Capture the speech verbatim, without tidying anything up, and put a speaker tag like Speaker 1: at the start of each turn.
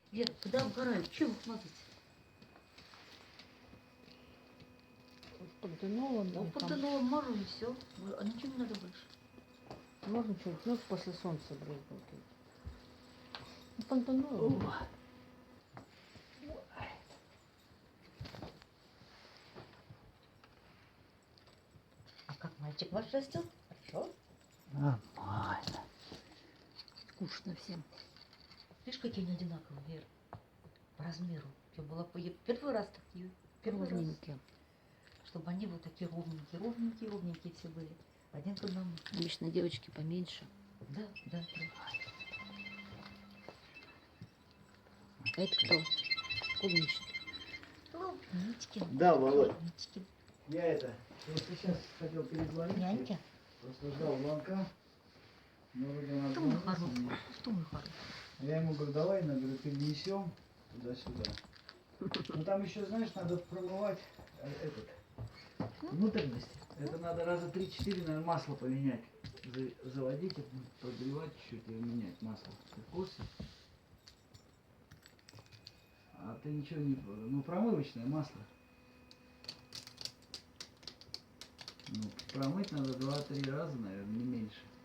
Speaker 1: Вера, когда обгорают, чего их мазать?
Speaker 2: Пантенолом.
Speaker 1: Ну,
Speaker 2: или там.
Speaker 1: пантенолом мажу и все. А ничего не надо больше.
Speaker 2: Можно что-нибудь, ну, после солнца брызгать. Ну, пантенолом.
Speaker 3: О.
Speaker 1: А как мальчик ваш растет? Хорошо?
Speaker 3: Нормально.
Speaker 2: Скучно всем.
Speaker 1: Видишь, какие они одинаковые, Вера? По размеру. Я была по... я первый раз такие. Первый раз.
Speaker 2: Ровненькие.
Speaker 1: Чтобы они вот такие ровненькие, ровненькие, ровненькие все были. Один к одному.
Speaker 2: Обычно девочки поменьше.
Speaker 1: Да, да, да.
Speaker 2: А это кто? Клубничный.
Speaker 1: Клубнички.
Speaker 3: Да, Володь.
Speaker 1: Клубнички.
Speaker 3: Я это, просто сейчас хотел перезвонить.
Speaker 1: Нянька.
Speaker 3: Просто ждал звонка. Но вроде он
Speaker 1: Что мы
Speaker 3: отзвонился
Speaker 1: хороший?
Speaker 3: мне.
Speaker 1: Что мы хороший?
Speaker 3: А я ему говорю, давай, на, говорю, перенесем туда-сюда. Ну там еще, знаешь, надо промывать э, этот, внутренность. Это надо раза три-четыре, наверное, масло поменять. За- заводить, подогревать чуть-чуть и менять масло. Ты в курсе? А ты ничего не... Ну, промывочное масло. Ну, промыть надо два-три раза, наверное, не меньше.